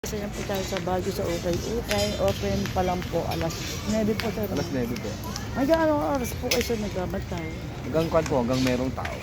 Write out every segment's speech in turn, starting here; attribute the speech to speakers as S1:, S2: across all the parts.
S1: Isa yan po tayo sa Baguio sa Ukay-Ukay. Open pa lang po alas 9 po tayo.
S2: Alas 9 po.
S1: Hanggang anong oras po kayo sa nagbabantay?
S2: Hanggang kwan po, hanggang merong tao.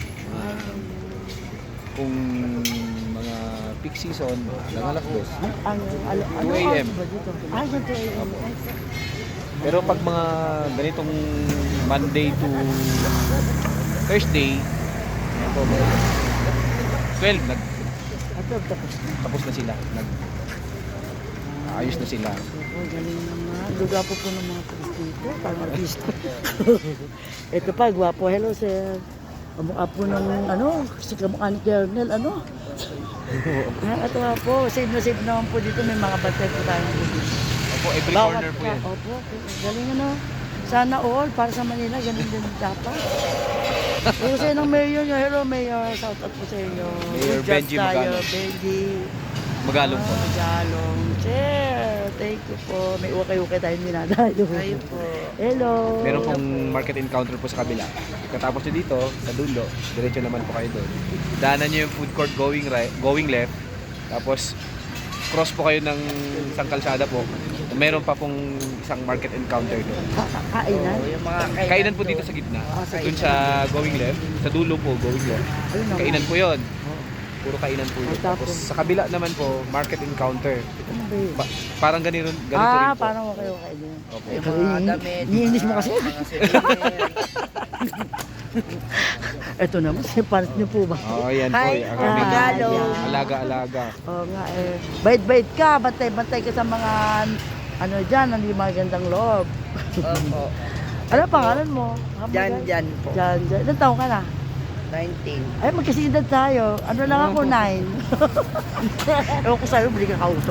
S2: Kung mga peak season, hanggang alas 2.
S1: Ang
S2: 2 a.m.
S1: ba dito? Hanggang 2 a.m.
S2: Pero pag mga ganitong Monday to Thursday, yan po, 12, tapos na sila. Ayos na sila.
S1: Oh, galing naman. Luga po ng mga tulis dito. Parang artista. Ito pa, gwapo. Hello, sir. Kamukha po ng, kasi kamukha ni Kernel, Ito nga po, save naman po dito. May mga bantay po tayo.
S2: Opo, every corner po yan.
S1: Opo, galing Sana all, para sa Manila, ganun din dapat. Pero sa ng mayor nyo, hello mayor, shout out po sa inyo.
S2: Mayor Benji Magalong.
S1: Benji.
S2: Magalong po.
S1: Magalong. Sir, thank you po. May ukay-ukay tayong dinadayo. Ayun po. Hello.
S2: Meron pong market encounter po sa kabila. Katapos nyo dito, sa dulo, diretso naman po kayo doon. Daanan nyo yung food court going left. Tapos, cross po kayo ng isang kalsada po. Meron pa pong isang market encounter doon.
S1: Kainan?
S3: Yung mga
S2: Kainan po dito sa gitna. Doon sa going left. Sa dulo po, going left. Kainan po yon. Puro kainan po yun. Tapos sa kabila naman po, market encounter.
S1: Ano ba yun?
S2: Parang ganito rin po.
S1: Parang okay din.
S2: Opo.
S3: Yung mga damit.
S1: Iinis mo kasi.
S3: Mga souvenir.
S1: Ito naman, sipalit niyo po ba?
S2: Oh, yan po.
S3: Hi,
S2: Ang aming
S3: regalo.
S2: alaga-alaga.
S1: Oo nga Bait-bait ka, bantay-bantay ka sa mga dyan, hindi magandang loob.
S3: Opo.
S1: Ano pangalan mo?
S3: Jan po.
S1: Jan. Ilan taong ka na?
S3: 19.
S1: Ay, magkasidad tayo. Ano lang ako, 9. Ewan ko sa'yo, bili ka kausap.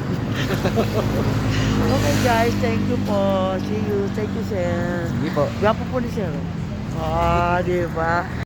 S1: Okay guys, thank you po. See you. Thank you, sir.
S2: Sige po.
S1: Gwapo po ni sir. Di ba?